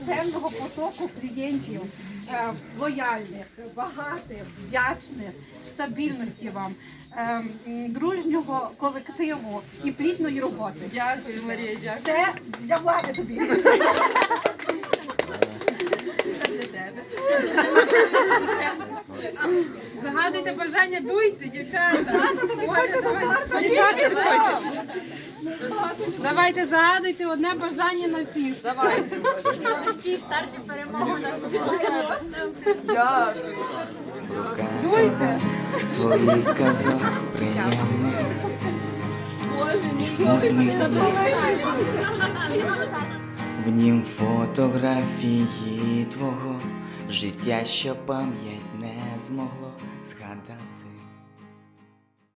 нескінченного потоку клієнтів, лояльних, багатих, вдячних, стабільності вам, дружнього колективу і плідної роботи. Дякую, Марія, дякую. Це для влади тобі. Це для тебе. Загадуйте бажання, дуйте, дівчата. Дівчата, підходьте. Давайте загадуйте одне бажання на всіх. Давайте. В старті перемогу на Дуйте. Твоїх казок приємних і смутних днів. В нім фотографії твого життя, що пам'ять не змогло згадати.